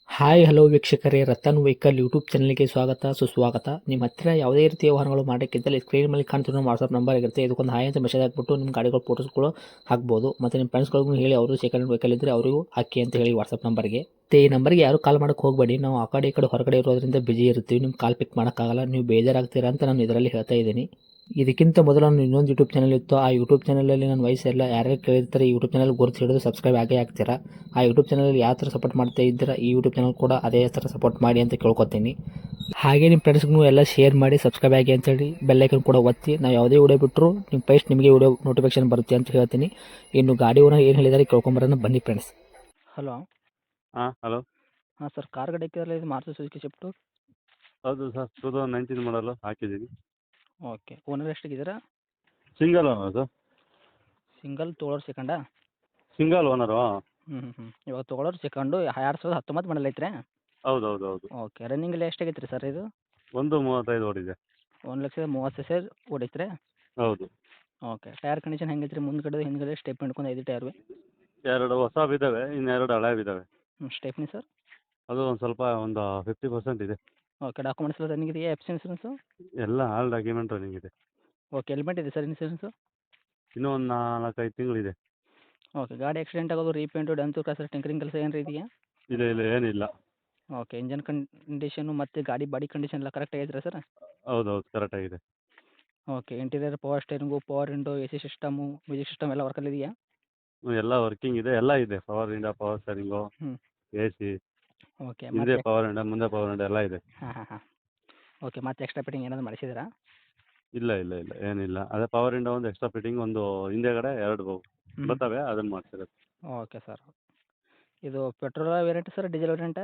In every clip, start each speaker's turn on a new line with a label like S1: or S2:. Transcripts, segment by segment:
S1: Hi hello ವೀಕ್ಷಕರೇ, Ratan vehicle YouTube ಚಾನಲ್ಗೆ ಸ್ವಾಗತ ಸುಸ್ವಾಗತ. ನಿಮ್ಮ ಹತ್ತಿರ ಯಾವುದೇ ರೀತಿಯ ವಾಹನಗಳು ಮಾಡೋಕ್ಕಿದ್ದಲ್ಲಿ ಸ್ಕ್ರೀನ್ ಮೇಲೆ ಕಾಣ್ತಿರೋ ವಾಟ್ಸಪ್ ನಂಬರ್ ಇರುತ್ತೆ. ಇದಕ್ಕೊಂದು ಹಾಯ್ ಅಂತ ಮೆಸೇಜ್ ಹಾಕ್ಬಿಟ್ಟು ನಿಮ್ಮ ಗಾಡಿಗಳ ಫೋಟೋಸ್ಗಳು ಹಾಕ್ಬೋದು. ಮತ್ತು ನಿಮ್ಮ ಫ್ರೆಂಡ್ಸ್ಗಳಿಗೂ ಹೇಳಿ ಅವರು ಸೆಕೆಂಡ್ ವೆಹಿಕಲ್ ಇದ್ದರೆ ಅವರಿಗೂ ಹಾಕಿ ಅಂತ ಹೇಳಿ ವಾಟ್ಸಪ್ ನಂಬರ್ಗೆ. ಈ ನಂಬರ್ಗೆ ಯಾರು ಕಾಲ್ ಮಾಡೋಕ್ಕೆ ಹೋಗಬೇಡಿ. ನಾವು ಆ ಕಡೆ ಈ ಕಡೆ ಹೊರಗಡೆ ಇರೋದ್ರಿಂದ ಬಿಜಿ ಇರ್ತೀವಿ. ನಿಮ್ಮ ಕಾಲ್ ಪಿಕ್ ಮಾಡೋಕ್ಕಾಗಲ್ಲ, ನೀವು ಬೇಜಾರಾಗ್ತೀರಾ ಅಂತ ನಾನು ಇದರಲ್ಲಿ ಹೇಳ್ತಾ ಇದ್ದೀನಿ. ಇದಕ್ಕಿಂತ ಮೊದಲು ನಾನು ಇನ್ನೊಂದು ಯೂಟ್ಯೂಬ್ ಚಾನಲ್ ಇತ್ತು. ಆ ಯೂಟ್ಯೂಬ್ ಚಾನಲಲ್ಲಿ ನನ್ನ ವಯಸ್ಸೆಲ್ಲ ಯಾರ್ಯಾರು ಕೇಳಿರ್ತಾರೆ ಈ ಯೂಟ್ಯೂಬ್ ಚಾನಲ್ ಗುರುತು ಹಿಡಿದು ಸಬ್ಸ್ಕ್ರೈಬ್ ಆಗೇ ಆಗ್ತೀರಾ. ಆ ಯೂಟ್ಯೂಬ್ ಚಾನಲಲ್ಲಿ ಯಾವ ಥರ ಸಪೋರ್ಟ್ ಮಾಡ್ತಾ ಇದ್ದೀರಾ ಈ ಯೂಟ್ಯೂಬ್ ಚಾನಲ್ ಕೂಡ ಅದೇ ಥರ ಸಪೋರ್ಟ್ ಮಾಡಿ ಅಂತ ಕೇಳ್ಕೊತೀನಿ. ಹಾಗೆ ನಿಮ್ಮ ಫ್ರೆಂಡ್ಸ್ಗೂ ಎಲ್ಲ ಶೇರ್ ಮಾಡಿ, ಸಬ್ಸ್ಕ್ರೈಬ್ ಆಗಿ ಅಂತೇಳಿ ಬೆಲ್ಲೈಕನ್ ಕೂಡ ಒತ್ತಿ. ನಾವು ಯಾವುದೇ ವಿಡಿಯೋ ಬಿಟ್ಟರು ನಿಮ್ಮ ಫಸ್ಟ್ ನಿಮಗೆ ವಿಡಿಯೋ ನೋಟಿಫಿಕೇಶನ್ ಬರುತ್ತೆ ಅಂತ ಹೇಳ್ತೀನಿ. ಇನ್ನು ಗಾಡಿ ಓನರ್ ಏನು ಹೇಳಿದಾರೆ ಕೇಳ್ಕೊಂಬರೋಣ ಬನ್ನಿ ಫ್ರೆಂಡ್ಸ್. ಹಲೋ.
S2: ಹಾಂ ಹಲೋ.
S1: ಹಾಂ ಸರ್, ಕಾರ್ ಗಾಡಿ ಹಾಕಿದ್ರಲ್ಲ, ಇದು ಮಾರುತಿ ಸುಜುಕಿ ಶಿಫ್ಟು.
S2: ಹೌದು ಸರ್, 2019 ಮಾಡಲು ಹಾಕಿದ್ದೀನಿ.
S1: ಓಕೆ, ಓನರ್ ಎಷ್ಟಾಗಿದ್ದೀರಾ?
S2: Single owner sir.
S1: ಸಿಂಗಲ್ ತೊಗೊಳೋರು ಸೆಕೆಂಡಾ?
S2: Single owner.
S1: ಇವಾಗ ತೊಗೊಳೋರು ಸೆಕೆಂಡು 2019 ಮಾಡಲ್ ಐತ್ರಿ?
S2: ಹೌದು ಹೌದು ಹೌದು.
S1: ಓಕೆ, ರನ್ನಿಂಗಲ್ಲಿ ಎಷ್ಟಾಗೈತೆ ರೀ ಸರ್ ಇದು?
S2: 1:35 ಓಡಿದೆ.
S1: 1,30,000 ಓಡೈತೆ ರೀ?
S2: ಹೌದು.
S1: ಓಕೆ, ಟೈರ್ ಕಂಡೀಷನ್ ಹೆಂಗೈತೆ ರೀ? ಮುಂದ್ಗಡೆ ಹಿಂದ್ಗಡೆ ಸ್ಟೆಪ್ ಹಿಡ್ಕೊಂಡು 5 ಟೈರು?
S2: 2 ಹೊಸವಿದ್ದಾವೆ, ಇನ್ನೆರಡು ಹಳೆವಿದ್ದಾವೆ.
S1: Stepney sir?
S2: ಅದು ಒಂದು ಸ್ವಲ್ಪ 50% ಇದೆ.
S1: ಓಕೆ, ಡಾಕ್ಯುಮೆಂಟ್ಸ್ ಎಲ್ಲ ರನ್ನಿಂಗ್ ಇದೆಯಾ? F C insurance?
S2: ಎಲ್ಲ ಆಲ್ ಡಾಕ್ಯುಮೆಂಟ್ ರನ್ನಿಂಗ್ ಇದೆ.
S1: ಓಕೆ, ಹೆಲ್ಮೆಟ್ ಇದೆ ಸರ್ ಇನ್ಸೂರೆನ್ಸು?
S2: ಇನ್ನೂ ಒಂದು 4-5 ತಿಂಗಳಿದೆ.
S1: ಓಕೆ, ಗಾಡಿ ಆಕ್ಸಿಡೆಂಟ್ ಆಗೋದು, ರೀಪೇಂಟು, ಡೆಂತು ಕ್ರಾಸರ್, ಟಿಂಕರಿಂಗ್ ಕೆಲಸ ಏನಾರು ಇದೆಯಾ?
S2: ಇಲ್ಲ ಇಲ್ಲ ಏನಿಲ್ಲ.
S1: ಓಕೆ, ಇಂಜನ್ ಕಂಡೀಷನು ಮತ್ತು ಗಾಡಿ ಬಾಡಿ ಕಂಡೀಷನ್ ಎಲ್ಲ ಕರೆಕ್ಟ್ ಆಗೈತೆ ಸರ್?
S2: ಹೌದು ಹೌದು ಕರೆಕ್ಟಾಗಿದೆ.
S1: Okay, interior power steering, power window, A C system, music system ಎಲ್ಲ ವರ್ಕಲ್ಲಿ ಇದೆಯಾ?
S2: ಎಲ್ಲ ವರ್ಕಿಂಗ್ ಇದೆ, ಎಲ್ಲ ಇದೆ. ಪವರ್ ವಿಂಡೋ, ಪವರ್ ಸ್ಟೇರಿಂಗು,
S1: ಹ್ಞೂ.
S2: ಎ ಸಿ,
S1: ಓಕೆ,
S2: ಹಿಂದೆ
S1: ಮತ್ತೆ
S2: ಪವರ್ ವಿಂಡೋ, ಮುಂದೆ ಪವರ್ ವಿಂಡೋ ಎಲ್ಲ ಇದೆ.
S1: ಹಾಂ. ಓಕೆ, ಮತ್ತೆ ಎಕ್ಸ್ಟ್ರಾ ಫಿಟ್ಟಿಂಗ್ ಏನಾದರೂ ಮಾಡಿಸಿದ್ರಾ?
S2: ಇಲ್ಲ ಇಲ್ಲ ಇಲ್ಲ ಏನಿಲ್ಲ. ಅದೇ ಪವರ್ ವಿಂಡೋ ಒಂದು ಎಕ್ಸ್ಟ್ರಾ ಫಿಟ್ಟಿಂಗ್, ಒಂದು ಹಿಂದೆಗಡೆ 2 ಬರ್ತವೆ, ಅದನ್ನು ಮಾಡಿಸಿರೋದು.
S1: Okay sir. ಇದು ಪೆಟ್ರೋಲ್ ವೇರಿಯಂಟ್ ಸರ್, ಡೀಸೆಲ್ ವೇರಿಯಂಟಾ?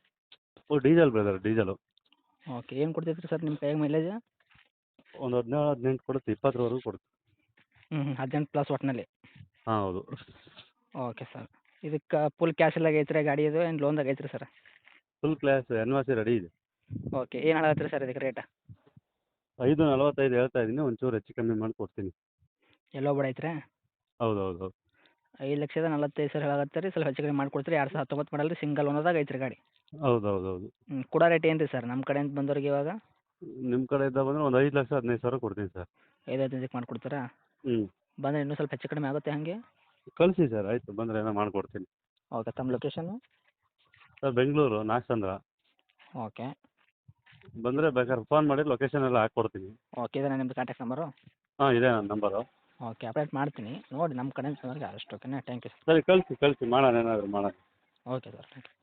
S2: Diesel brother, diesel.
S1: ಓಕೆ, ಏನು ಕೊಡ್ತೈತೆ ರೀ ಸರ್ ನಿಮ್ಮ ಕೈಯಾಗ ಮೈಲೇಜ್?
S2: ಒಂದು 17-18 ಕೊಡುತ್ತೆ, 20ವರೆಗೂ ಕೊಡುತ್ತೆ.
S1: 18 ಪ್ಲಸ್ ಒಟ್ಟಿನಲ್ಲಿ?
S2: ಹಾಂ ಹೌದು.
S1: Okay sir. ಇದಕ್ಕೆ ಫುಲ್ ಕ್ಯಾಶ್ ಎಲ್ಲ ಆಗೈತೆ ಗಾಡಿ ಇದು, ಏನು ಲೋನ್ದಾಗ ಐತ್ರಿ sir?
S2: Full class NOC ready ಇದೆ.
S1: ಓಕೆ, ಏನು ಹೇಳತ್ತೀರಿ ಸರ್ ಇದಕ್ಕೆ ರೇಟ್?
S2: 5:45 ಹೇಳ್ತಾ ಇದ್ದೀನಿ, ಒಂಚೂರು ಹೆಚ್ಚು ಕಮ್ಮಿ ಮಾಡಿ ಕೊಡ್ತೀನಿ.
S1: ಎಲ್ಲೋ ಬಿಡ ಐತ್ರಿ?
S2: ಹೌದು ಹೌದು ಹೌದು.
S1: 5,45,000 ಹೇಳಾಕತ್ತೀರಿ, ಸ್ವಲ್ಪ ಹೆಚ್ಚು ಕಮ್ಮಿ ಮಾಡಿಕೊಡ್ತೀರಿ. 2019 ಮಾಡಲ್ ರೀ, ಸಿಂಗಲ್ ಓನರ್ದಾಗ ಐತ್ರಿ ಗಾಡಿ?
S2: ಹೌದು ಹೌದು ಹೌದು.
S1: ಕೊಡೋ ರೇಟ್ ಏನು ರೀ ಸರ್ ನಮ್ಮ ಕಡೆಯಿಂದ ಬಂದವ್ರಿಗೆ ಇವಾಗ?
S2: ನಿಮ್ಮ ಕಡೆಯಿಂದ ಬಂದರೆ ಒಂದು 5,15,000 ಕೊಡ್ತೀನಿ ಸರ್.
S1: 5,15ಕ್ಕೆ ಮಾಡಿಕೊಡ್ತೀರಾ? ಬಂದರೆ ಇನ್ನೂ ಸ್ವಲ್ಪ ಹೆಚ್ಚು ಕಡಿಮೆ ಆಗುತ್ತೆ ಹಾಗೆ?
S2: ಕಳಿಸಿ ಸರ್, ಆಯಿತು, ಬಂದರೆ ಏನೋ ಮಾಡಿಕೊಡ್ತೀನಿ.
S1: ಓಕೆ, ತಮ್ಮ location?
S2: Sir Bengaluru Nagachandra.
S1: Okay.
S2: ಬಂದರೆ ಬೇಕಾದ್ರೆ ಫೋನ್ ಮಾಡಿ ಲೊಕೇಶನ್ ಎಲ್ಲ ಹಾಕ್ಕೊಡ್ತೀನಿ.
S1: ಓಕೆ, ಇದೇನಾ ನಿಮ್ಮದು ಕಾಂಟ್ಯಾಕ್ಟ್ ನಂಬರು?
S2: ಹಾಂ ಇದೆ ನನ್ನ ನಂಬರು.
S1: ಓಕೆ, ಅಪ್ಡೇಟ್ ಮಾಡ್ತೀನಿ ನೋಡಿ, ನಮ್ಮ ಕಡೆಯಿಂದ ಬಂದವ್ರಿಗೆ ಅಷ್ಟು. ಓಕೆನಾ? Thank you sir.
S2: ಸರಿ ಕಳಿಸಿ ಮಾಡೋಣ, ಏನಾದರೂ ಮಾಡೋಣ.
S1: Okay sir, thank you.